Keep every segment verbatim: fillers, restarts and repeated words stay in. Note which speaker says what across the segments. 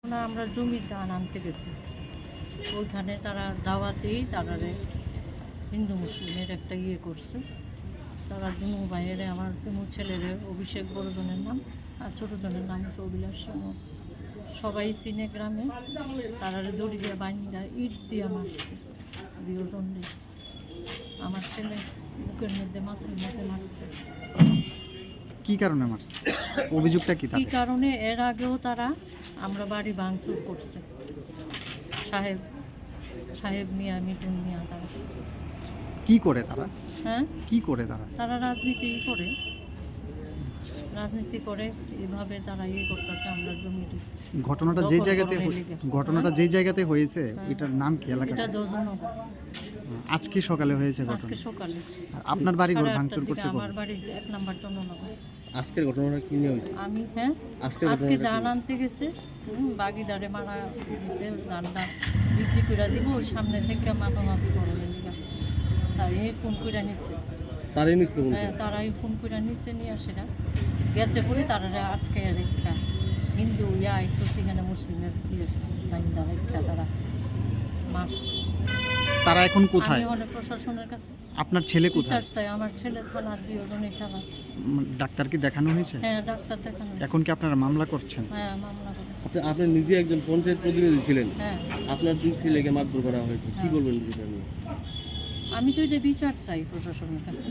Speaker 1: না, আমরা জমির ধান আনতে গেছি, ওইখানে তারা দাওয়াতেই তারা হিন্দু মুসলিমের একটা ইয়ে করছে। তারা দুনু ভাইয়েরে, আমার দুনু ছেলের অভিষেক বড়জনের নাম আর ছোটজনের নাম হচ্ছে অভিলাষ সামন্ত। সবাই চিনে গ্রামে। তারা দড়ি দিয়ে বান্ধা ইট দিয়ে মারছে দুজন দিয়ে। আমার ছেলে বুকের মধ্যে মাথার মধ্যে মারছে।
Speaker 2: কি কারণে মারছে? অভিযোগটা কি?
Speaker 1: কি কারণে? এর আগেও তারা আমরা বাড়ি ভাঙচুর করছে। সাহেব সাহেব মিয়া, মিঠুন মিয়া, তারা
Speaker 2: কি করে তারা
Speaker 1: হ্যাঁ
Speaker 2: কি করে তারা
Speaker 1: তারা রাজনীতি করে রাজনীতি করে এভাবে তারা ইয়ে করতেছে। আমরা জমিটি
Speaker 2: ঘটনাটা যে জায়গাতে ঘটনাটা যে জায়গাতে হয়েছে এটার নাম কি? এলাকা
Speaker 1: এটা দোজনগর।
Speaker 2: আজকে সকালে হয়েছে ঘটনা?
Speaker 1: আজকে সকালে।
Speaker 2: আপনার বাড়ি ঘর
Speaker 1: সাড়ে
Speaker 2: ভাঙচুর
Speaker 1: আটটার
Speaker 2: করছে?
Speaker 1: দিকে আমার বাড়ি এক নাম্বার চন্দননগর।
Speaker 3: আজকের ঘটনাটা কি নিয়ে হয়েছে?
Speaker 1: আমি হ্যাঁ
Speaker 3: আজকের
Speaker 1: আজকে
Speaker 3: ঘটনাটা
Speaker 1: ধান আনতে গেছে, বাগিদারে মারা দিছে, ধানটা বিক্রি করে দিব, ওই সামনে থেকে মাপামাপি করে নিলাম। তাই ফোন করে নিচ্ছে।
Speaker 3: তারই নিছিল বলতে?
Speaker 1: হ্যাঁ, তারাই ফোন করে নিচ্ছে, নিয়ে সেটা গেছে পরে তারা আটকে রেখা হিন্দু ইয়া আইসো, সেখানে মুসলিমের ইয়ে বাহিন্দা রেখা তারা মারছে।
Speaker 2: তারা এখন কোথায়?
Speaker 1: আমি অনেক প্রশাসনের কাছে।
Speaker 2: আপনার ছেলে কোথায়?
Speaker 1: বিচার চাই। আমার ছেলে থানার দুজনই চালা।
Speaker 2: উম, ডাক্তারকে দেখানো হয়েছে?
Speaker 1: হ্যাঁ, ডাক্তার দেখানো।
Speaker 2: এখন কি আপনারা মামলা করছেন?
Speaker 1: হ্যাঁ, মামলা করে।
Speaker 3: আপনি আপনি নিজে একজন পঞ্চায়েত প্রতিনিধি ছিলেন,
Speaker 1: হ্যাঁ,
Speaker 3: আপনার দুই ছেলেকে মারধর করা হয়েছে, কি
Speaker 1: হ্যাঁ।
Speaker 3: বলবেন বিষয়টা নিয়ে?
Speaker 1: আমি তো এটা বিচার চাই প্রশাসনের কাছে।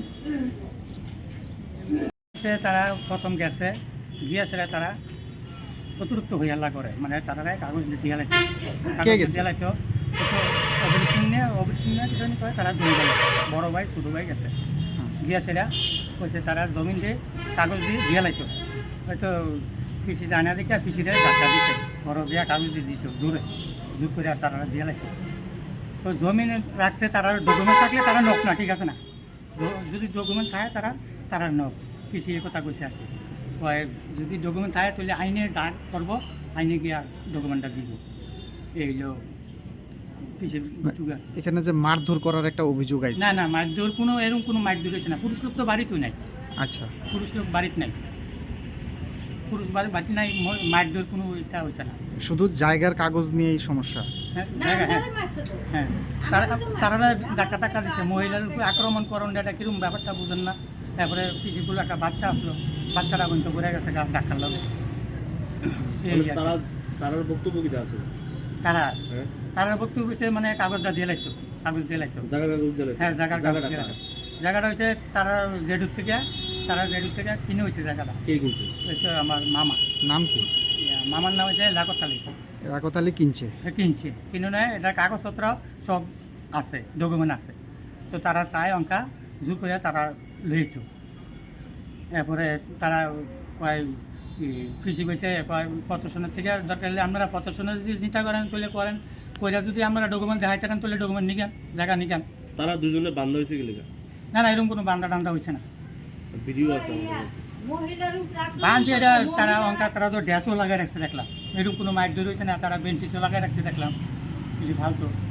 Speaker 4: সে তারা প্রথম গেছে গিয়েছে, তারা অতিরিক্ত হইয়াল্লা করে, মানে তারা কাগজ দিয়ে লাইতো
Speaker 2: কে গেছে?
Speaker 4: দিয়ে লাইতো অভিষিং নিয়ে অভিষিং নিয়ে দুজনই করে তারা দুই ভাই, বড় ভাই ছোটো ভাই গেছে। গিয়েছে কইছে তারা জমিন দিয়ে কাগজ দিয়ে দিয়ে লাইতো, হয়তো পিসি জানা দেখে পিসিরে ধাক্কা দিতে বড় দিয়া কাগজ দিয়ে দিত জোরে জোর করে তারা দিয়ে লাইতো। তো জমিন রাখছে, তারা ডকুমেন্ট থাকলে তারা নক না, ঠিক আছে না? যদি ডকুমেন্ট থাকে তারা তারা নক, পিসি এই কথা কইছে আর কি। কয় যদি ডকুমেন্ট থাকে তাহলে আইনে যা করবো, আইনে গিয়ে ডকুমেন্টটা দিব। এইগুলো পিসি।
Speaker 2: এখানে যে মারধর করার একটা অভিযোগ আছে?
Speaker 4: না না, মারধর কোনো এরকম কোনো মারধর হয়েছে না। পুরুষ লোক তো বাড়িতেও নাই।
Speaker 2: আচ্ছা,
Speaker 4: পুরুষ লোক বাড়িতে নাই, পুরুষ বাড়ি বাড়িতে নাই, মারধর কোনো এটা হয়েছে না।
Speaker 2: শুধু জায়গার কাগজ নিয়েই সমস্যা?
Speaker 4: হ্যাঁ, জায়গা হ্যাঁ হ্যাঁ তারা তারা ডাক্তার টাকা দিচ্ছে, মহিলার উপর আক্রমণ করণ, এটা কিরকম ব্যাপারটা বুঝেন না। তারপরে পিসিগুলো একটা বাচ্চা আসলো, বাচ্চাটা বন্ধ করে গেছে ডাক্তার লোক।
Speaker 3: তারা তার বক্তব্য কি আছে?
Speaker 4: তারা
Speaker 3: হ্যাঁ,
Speaker 4: তারা বক্তব্য হচ্ছে মানে কাগজটা দিয়ে লাগতো, কাগজ দিয়ে লাগতো।
Speaker 3: জায়গা কাগজ দিলে?
Speaker 4: হ্যাঁ, জায়গার
Speaker 3: জায়গাটা
Speaker 4: কাগজ দিয়ে
Speaker 3: কার?
Speaker 4: লাগতো। জায়গাটা হচ্ছে তারা জেডুর থেকে তারা জেডুর থেকে কিনে হয়েছে জায়গাটা।
Speaker 3: কে কিনছে?
Speaker 4: হচ্ছে আমার মামা।
Speaker 2: নাম কি?
Speaker 4: ইয়া, মামার নাম হচ্ছে লাকতালি।
Speaker 2: রাকতালি কিনছে?
Speaker 4: কিনছে, কিনে নেয়, এটা কাগজপত্র সব আছে, ডকুমেন্ট আছে। তো তারা চায় অঙ্কা জোর করে তারা লইত। এরপরে তারা কয় কৃষি কইছে কয় প্রশাসনের থেকে দরকার হলে আপনারা প্রশাসনের যদি চিন্তা করেন তাহলে করেন, কইরা যদি আমরা ডকুমেন্ট দেখাই থাকেন তাহলে ডকুমেন্ট নিকেন, জায়গা নিকেন।
Speaker 3: তারা দুজনে বান্ধা হয়েছে কি লেখা?
Speaker 4: না না, এরকম কোনো বান্ধা টান্ধা হয়েছে না।
Speaker 3: ভিডিও আছে আমাদের কাছে।
Speaker 4: বান্ধে এটা তারা অঙ্কা তারা তো ড্যাশও লাগাই রাখছে দেখলাম। এরকম কোনো মাইক ধরে হয়েছে না, তারা বেঞ্চিসও লাগাই রাখছে দেখলাম। ভালো তো